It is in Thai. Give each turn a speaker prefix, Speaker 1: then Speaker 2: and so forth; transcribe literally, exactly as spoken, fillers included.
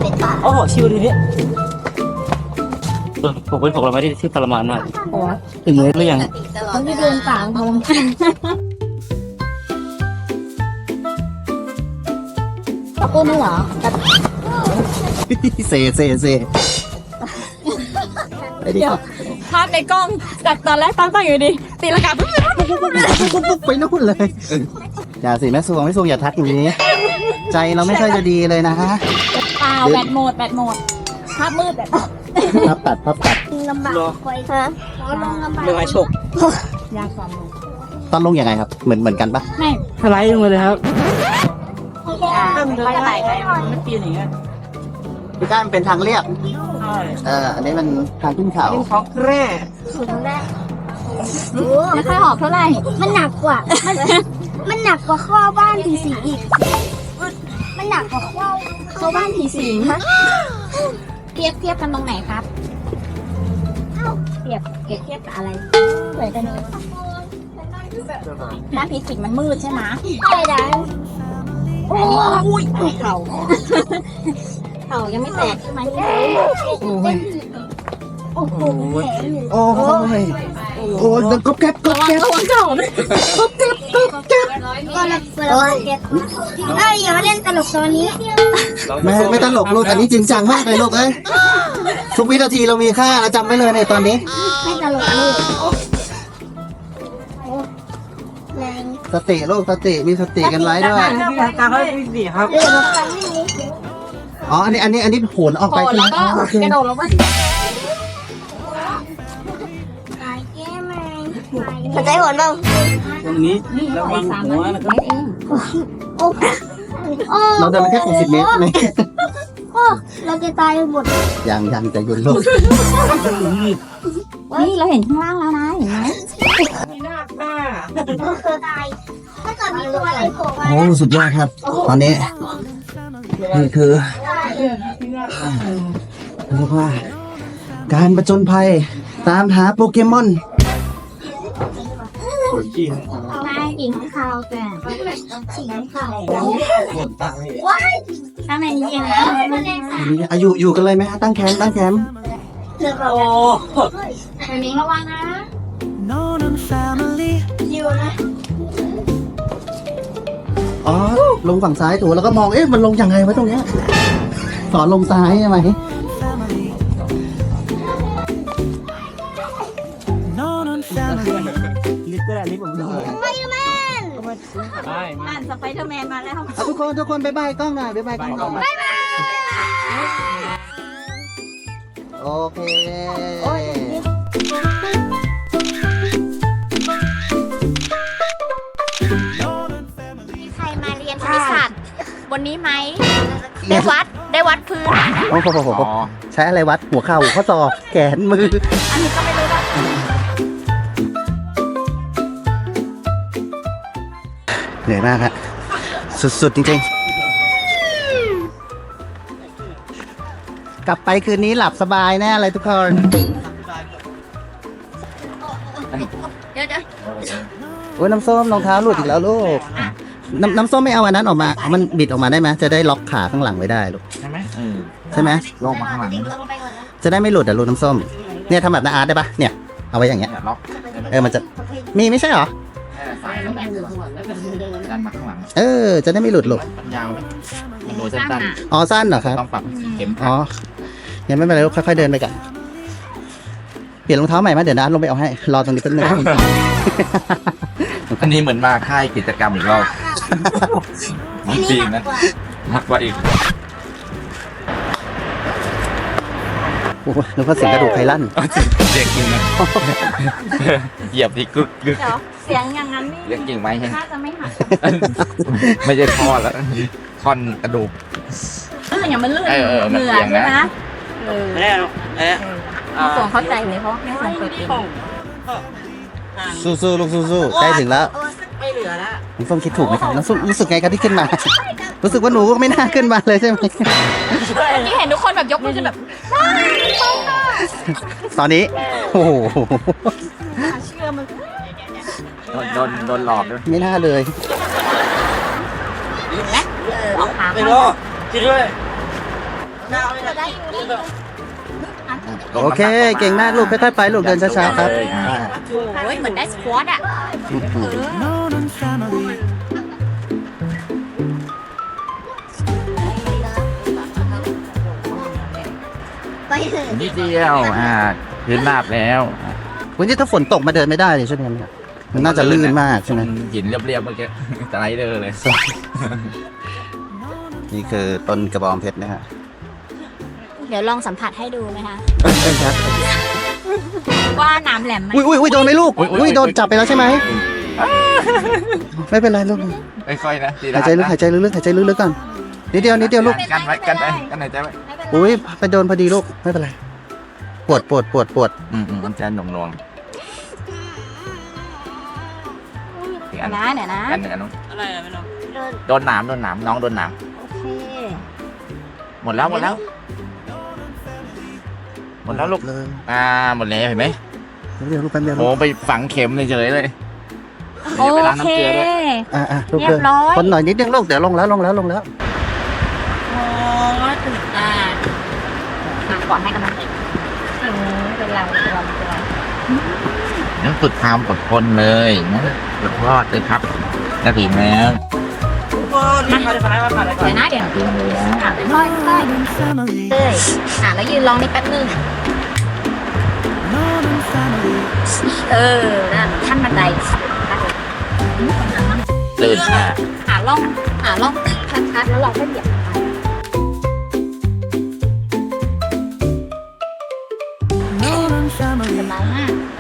Speaker 1: เป็นป่า
Speaker 2: โอ้โหชิวดีเนี่ยผมเป็นผมเราไม่ได้ที่ทรมานมากถึงมือหรือยัง
Speaker 1: เขาที่เดินป่าเขาตะโกนไม่เหรอ
Speaker 3: เซเซเซไปดิ
Speaker 4: เดี๋ยวภาพในกล้องจากตอนแรกตั้งตั้งอยู่ดีตีลังกาปุ๊บ
Speaker 3: ไปนู่นเลยอย่าสิแม่สวงแม่สวงอย่าทักอย่างนี้ ใจเราไม่ค่อยจะดีเลยนะฮะ
Speaker 4: เปล่าแบตหมดแบตหมดภาพมืดแบบ
Speaker 3: พับตัดพับตัด
Speaker 1: ลำบากคอยฮะลงลำบาก
Speaker 2: เรื่องไอ้โชค
Speaker 4: ยากความลง
Speaker 3: ตอนลงยังไงครับ เหมือนเหมือนกันปะ
Speaker 4: ไม่
Speaker 2: สไลด์ลงมาเลยครับ
Speaker 4: ไปไหนไปมันปีนอย่างเงี้ย
Speaker 3: พี่ก้านเป็นทางเรียบเอออันนี้มันทางขึ้นเขา
Speaker 2: ของแร่
Speaker 1: สุดแรก
Speaker 4: ไม่ค่อยหอบเท่าไหร่
Speaker 1: มันหนักกว่า มันมันหนักกว่าข้อบ้านผีสิงอีก มันหนักกว่าข้อ
Speaker 4: เข้าบ้านผีสิงเทียบเทียบกันตรงไหนครับเทียบเทียบกับอะไรเหมือนกันเลยบ้านผีสิงมันมืดใช่ไหม
Speaker 1: ใช่ดัน
Speaker 4: โอ้ยเข่าเข่ายังไม่แตกใช่ไหม
Speaker 1: โอ้โหแผลอยู่
Speaker 3: โอ้ยโอ้ยก๊อบแก๊บก๊อบแก๊บ
Speaker 4: ระวังเข่านะ
Speaker 1: ก็เลยเปิดมาเก็ตเอ้ยอย่ามาเล่นตลกตอนนี้
Speaker 3: ไม่ไม่ตลกลูกอันนี้จริงจังมากเลยลูกเอ้ยทุกวินาทีเรามีค่าเราจำไว้เลยในตอนนี้
Speaker 1: ไม่ตลกเลยแรง
Speaker 3: สติลูกสติมีสติกันไว้ด้วย
Speaker 2: ที่ทางการเขาที่สี่ครับ
Speaker 1: เรื่องรถไฟไม่มี
Speaker 3: อ๋ออันนี้อันนี้อันนี้โหนออกไป
Speaker 4: โผล่
Speaker 3: ใช่ไหม
Speaker 4: แล้วก็
Speaker 3: อ๋อโอเค
Speaker 4: กระโดดลงมา
Speaker 1: ตายแก้แมงสนใจผลบ้าง
Speaker 2: ตรงนี้ระวังหัวนะครับ
Speaker 1: โอ้โอ้
Speaker 3: เราเดินมาแค่หกสิบเมตรใช่ไหม
Speaker 1: โอ้เราจะตายหมด
Speaker 3: ยังยังใจเย็นลูก
Speaker 4: นี่เราเห็นข้างล่างแล้วนะเห็นไหม
Speaker 1: เราตายถ้าเกิดมีตัวอะไรโผล่มา
Speaker 3: โอ้สุดยอดครับ ตอนนี้นี่คือเรียกว่า การประจนภัยตามหาโปเกมอน
Speaker 1: นายหญิงข่าวแต่หญิงข่าว
Speaker 4: ข้างในนี้เองนะ
Speaker 3: อายุอยู่กันเลยไหมฮะตั้งแคมป์ตั้งแคมป์
Speaker 1: เรือเรา
Speaker 2: โอ้
Speaker 4: เดี๋ยวนี้ระวังนะ
Speaker 1: อยู่นะ
Speaker 3: อ๋อลงฝั่งซ้ายถูกแล้วก็มองเอ๊ะมันลงยังไงวะตรงเนี้ยสอนลงซ้ายใช่ไหม
Speaker 2: ลิตเตอร์ลิฟต์ผมดู
Speaker 1: ไม่แม่น
Speaker 2: ใช่
Speaker 4: อ่านสไปเดอร์แมนมาแล้ว
Speaker 3: เอาทุกคนทุกคนบายบายกล้องหน่อยบายบายกล้องหน่อยโอเค
Speaker 4: มีใครมาเรียนคณิตศาสตร์วันนี้ไหมได้วัดได้วัดพื้น
Speaker 3: โอ้โหใช้อะไรวัดหัวเข่าข้อศอกแขนมือ
Speaker 4: อันนี้ก็ไม่รู้ว่า
Speaker 3: เหนื่อยมากฮะสุดๆจริงๆ กลับไปคืนนี้หลับสบายแน่เลยทุกคน
Speaker 4: เดี๋ยวเดี๋ยว
Speaker 3: โอ้ยน้ำส้มรองเท้าหลุดอีกแล้วลูกน้ำน้ำส้มไม่เอาอันนั้นออกมาเอามันบิดออกมาได้ไหมจะได้ล็อกขาข้างหลังไว้ได้ลูก
Speaker 2: ใช่ไหมเออ
Speaker 3: ใช่ไหม
Speaker 2: ลงมาข้างหลัง
Speaker 3: จะได้ไม่หลุดอะลูกน้ำส้มเนี่ยทำแบบน้าอาร์ตได้ปะเนี่ยเอาไว้อย่างเงี้ย
Speaker 2: ล็อก
Speaker 3: เออมันจะมีไม่ใช่เหรอ
Speaker 2: ดันมาข้างหลัง
Speaker 3: เออจะได้ไม่หลุดลูก
Speaker 2: ยาวมันโดนสั้น
Speaker 3: อ๋อสั้นเหรอครับ
Speaker 2: ๆต้องปรับเข็ม
Speaker 3: อ๋อยังไม่เป็นไรลูกค่อยๆเดินไปกันเปลี่ยนรองเท้าใหม่ไหมเดี๋ยวนะลงไปเอาให้รอตรงนี้แป๊บนึง
Speaker 2: อันนี้เหมือนมาค่ายกิจกรรมอีกรอบจริงนะมากกว่าอีก
Speaker 3: โอ้โหนึกว่าเสียงกระดูกไทลั่น
Speaker 2: เรียกจริงนะเหยียบที่กึกกึก
Speaker 4: เดี๋ยวเสียงอย่างนั้น
Speaker 2: เรียกจริงไหมใช่
Speaker 4: น่าจะไม่หัก
Speaker 2: ไม่ใช่ท่อแล้วท่อนกระดูก
Speaker 4: เอออย่างมันลื่น
Speaker 2: เออเออมัน
Speaker 4: เหงื่อ
Speaker 2: เอียง
Speaker 4: ใช่
Speaker 2: นะ
Speaker 4: ไหมเออ
Speaker 2: แน่แน่
Speaker 4: พี่ส่งเข้าใจเลยเพราะพี่ส่งเปิดเอง
Speaker 3: สู้ๆลูกสู้ๆใกล้ถึงแล้ว
Speaker 4: ไม่เหลือแล้ว
Speaker 3: น้องส้มคิดถูกไหมครับน้องส้มรู้สึกไงครับที่ขึ้นมา รู้สึกว่าหนูก็ไม่น่าขึ้นมาเลยใช่ไหม
Speaker 4: ที่เห็นทุกคนแบบยกมือขึ้นแบบ
Speaker 3: ตอนนี้โอ้โห
Speaker 4: เชื่อมัน
Speaker 2: โดนโดนหลอกด้วย
Speaker 3: ไม่น่าเลย
Speaker 4: ออกขา
Speaker 2: ไม่รอดคิดด้วย
Speaker 4: หน้าจะได้อยู่ได้อยู่
Speaker 3: โอเค เก่งมากลูกค่อยๆไปลูกเดินช้าๆครับ
Speaker 2: เลยอ่า
Speaker 4: โอ้ยเหมือนได้สควอตอ่ะ
Speaker 1: ไปเถอะ
Speaker 2: นิดเดียวอ่าพื้นราบแล้ว
Speaker 3: วันนี้ถ้าฝนตกมาเดินไม่ได้เลยใช่ไหมเนี่ยมันน่าจะลื่นมากใช่ไหม
Speaker 2: หินเรียบๆเมื่อกี้สไลเดอร์เลย
Speaker 3: นี่คือต้นกระบองเพชรนะฮะ
Speaker 4: เดี๋ยวลองสัมผัสให้ดูไหมคะ
Speaker 3: ครับ
Speaker 4: ว่าน้ำแหลมไหม
Speaker 3: อุ้ยอุ้ยอุ้ยโดนไหมลูก
Speaker 2: อุ๊ยอุ๊ย
Speaker 3: อุ้ยโดนจับไปแล้วใช่ไหมไม่เป็นไรลูก
Speaker 2: ค่อยๆนะทีละ
Speaker 3: หายใจลึกหายใจลึกๆหายใจลึกๆก่อนนิดเดียวนิดเดียวลูก
Speaker 2: กันไว้กันไปกันหายใจไว้
Speaker 3: อุ้ยไปโดนพอดีลูกไม่เป็นไรปวดปวดปวดปวด
Speaker 2: อืมอืมมันจะหน่วงหน่วงอีกอัน
Speaker 4: นะเดี๋ยวนะ
Speaker 2: อันหนึ่งอันนู้น
Speaker 5: อะไรอะไม่รู้
Speaker 2: โดนหนามโดนหนามน้องโดนหนาม
Speaker 4: โอเค
Speaker 2: หมดแล้วหมดแล้ว หมดแล้วลูก
Speaker 3: เลย
Speaker 2: อ่าหมดแล้วเห็นไหม
Speaker 3: เดี๋ยวลูกแป๊บเดียว
Speaker 2: โอ้
Speaker 3: ลูก
Speaker 2: ไปฝังเข็มเฉยๆเลย
Speaker 4: โอ
Speaker 2: ดี๋ยวไปล้าง
Speaker 4: เค
Speaker 2: น้ำเกลือด้วย
Speaker 3: อ่ะอ่ะลูก
Speaker 4: เรีย
Speaker 3: เดิ
Speaker 4: บ
Speaker 3: น
Speaker 4: ร้อย
Speaker 3: คนหน่อยนิดนึงลูกเดี๋ยวลงแล้วลงแล้วลงแล้ว
Speaker 4: โอ้ตื่นตาอ่ะก่อนให้กำลังใจอืมเป็นเราเป็นเราเป็นเรา
Speaker 2: นั่นสุดความอดทนเลยนะสุดยอดเลยครับจะถึงแล้ว
Speaker 5: ทุกคนมาเดี๋ยวขอได้มาผ่านเลยก่อน
Speaker 4: เดี๋ยวนะเดี๋ยว
Speaker 2: ถึงแล้ว
Speaker 4: อ่ะเป็นร้อยร้อยเลยอ่ะแล้วยืนลองนี่แป๊บนึงเออนั่นขั้นบันได
Speaker 2: ตื่นมา
Speaker 4: หาล่องหาล่องชัดๆแล้วเราก็เหยียบไปสบายมาก